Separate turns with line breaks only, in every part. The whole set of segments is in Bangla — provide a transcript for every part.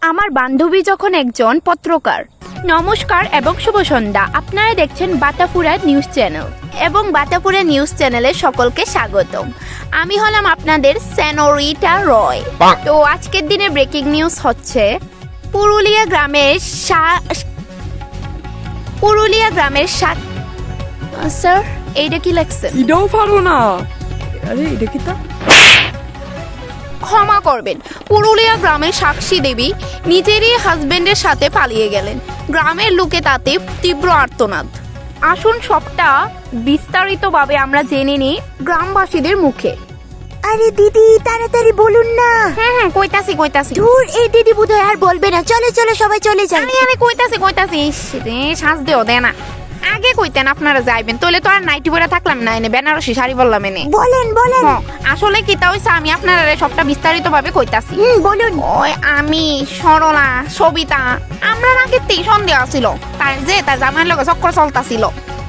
আমার বান্ধবী যখন একজন পত্রকার। নমস্কার এবং শুভ সন্ধ্যা। আপনারা দেখছেন বাতাপুরা নিউজ চ্যানেল এবং বাতাপুরা নিউজ চ্যানেলে সকলকে স্বাগতম। আমি হলাম আপনাদের সেনোরিটা রয়। তো আজকের দিনে ব্রেকিং নিউজ হচ্ছে পুরুলিয়া গ্রামের স্যার এইটা কি লেখছেন?
এটাও পারো না। আরে এটা কি তা?
ক্ষমা করবেন, পুরুলিয়া গ্রামের সাক্ষী দেবী নিজেরই হাজবেন্ডের সাথে পালিয়ে গেলেন। গ্রামের লোকে তাতে তীব্র আর্তনাদ। আসুন সবটা বিস্তারিতভাবে আমরা জেনে নিই গ্রামবাসীদের মুখে।
আরে দিদি তাড়াতাড়ি বলুন না।
হ্যাঁ কইতাছি।
ধুর, এই দিদি বোধহয় আর বলবে না। চলে চলে সবাই চলে যাই।
আরে কইতাছি ইস রে, শ্বাস দেও দে না। আগে কইতেন আপনারা যাইবেন, তাহলে তো আর নাইটি পরে থাকলাম না, এনে বেনারসি শাড়ি বললাম এনে।
বলেন
আসলে কি তা হইছে, আমি আপনারা সবটা বিস্তারিত ভাবে কইতাছি।
বলুন।
ওই আমি সরলা সবিতা আমরা আগে সন্দেহ ছিল তার জামাইয়ের লগে চক্কর চলতাছিল।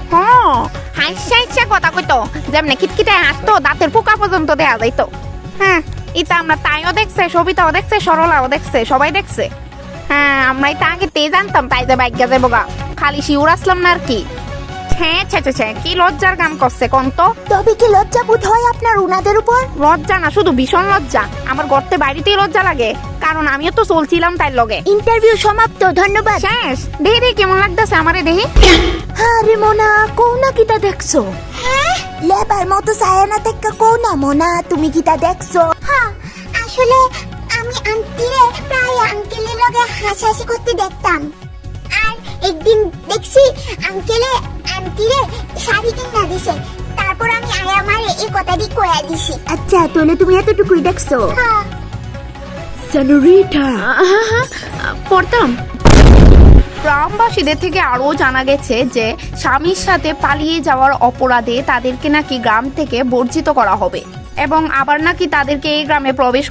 হাইসা কথা কইতো, যেমনি খিটখিটে হাসতো, দাঁতের পোকা পর্যন্ত দেয়া যাইতো। হ্যাঁ, এটা আমরা তাইও দেখছে, সবিতাও দেখছে, সরলাও দেখছে, সবাই দেখছে। হ্যাঁ, আমরা এটা আগে জানতাম, তাই যে বাইক যাবো গা, খালি শিউর আসলাম না আর কি। কি লজ্জার গান করছে কোন তো?
তবে কি লজ্জা বোধ হয় আপনার উনাদের উপর?
লজ্জা না, শুধু ভীষণ লজ্জা। আমার গর্তে বাড়িতেই লজ্জা লাগে, কারণ আমিও তো চলছিলাম তাই লগে।
ইন্টারভিউ সমাপ্ত, ধন্যবাদ।
শেষ। দেহি কেমন লাগতেছে আমারে দেহি?
আরে মোনা, কোনা কিটা দেখছো? হ্যাঁ, লেবার মতো সায়ানা থেকে কোনা মোনা, তুমি কিটা দেখছো? হ্যাঁ, আসলে আমি আন্টিরে প্রায় আঙ্কেলের লগে হাসাহাসি করতে দেখতাম। আর একদিন দেখছি আন্টিরে শাড়ি কিনা দিছে। তারপর আমি আমার এই কথাটি কয়া দিছি। আচ্ছা, তাহলে তুমি এতটুকুই দেখছো? হ্যাঁ।
সেনোরিটা,
পড়তাম। গ্রামবাসীদের থেকে আরও জানা গেছে যে স্বামীর সাথে পালিয়ে যাওয়ার অপরাধে তাদেরকে নাকি গ্রাম থেকে বর্জিত করা হবে এবং আবার নাকি তাদেরকে এই গ্রামে প্রবেশ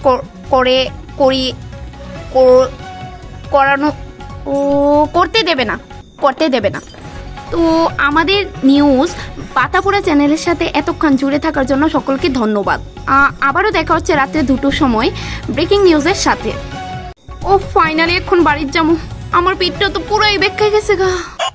করতে দেবে না। তো আমাদের নিউজ পাতাপুরা চ্যানেলের সাথে এতক্ষণ জুড়ে থাকার জন্য সকলকে ধন্যবাদ। আবারও দেখা হচ্ছে রাত্রে 2টোর সময় ব্রেকিং নিউজের সাথে। ও ফাইনালি এখন বাড়ির যাবো, আমার পেটটা তো পুরোই বেঁকে গেছে গা।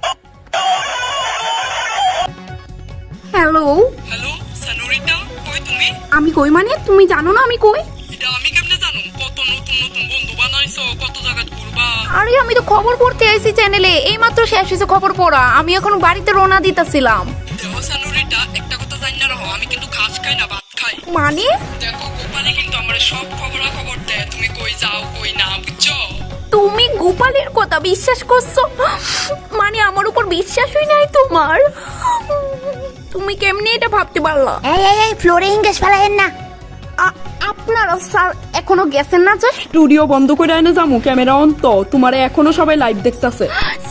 হ্যালো
সেনোরিটা, কই তুমি?
আমি কই মানে? তুমি জানো না আমি কই?
এটা আমি কেমনে জানো? কত নতুন বন্ধু বানাইছো, কত জায়গা ঘুরবা।
আরে আমি তো খবর পড়তে আইছি চ্যানেলে, এইমাত্র শেষ হয়েছে খবর পড়া। আমি এখন বাড়িতে রওনা দিতেছিলাম।
দেখো সেনোরিটা, একটা কথা জানি না রহো, আমি কিন্তু ঘাস খাই না, ভাত খাই।
মানে?
দেখো গোপালে কিন্তু আমার সব খবর দেয়, তুমি কই যাও কই না, বুঝছো?
তুমি গোপালের কথা বিশ্বাস করছো? মানে আমার উপর বিশ্বাসই নাই তোমার? তুমি কেমনে এটা ভাবতে পারলা?
এই ফ্লোরে ইংলিশ ফেলায়েন না।
আপনারা স্যার এখনো গেছেন না? যে
স্টুডিও বন্ধ করে এনে যামু, ক্যামেরা অন তো, তোমারে এখনো সবাই লাইভ দেখতাছে।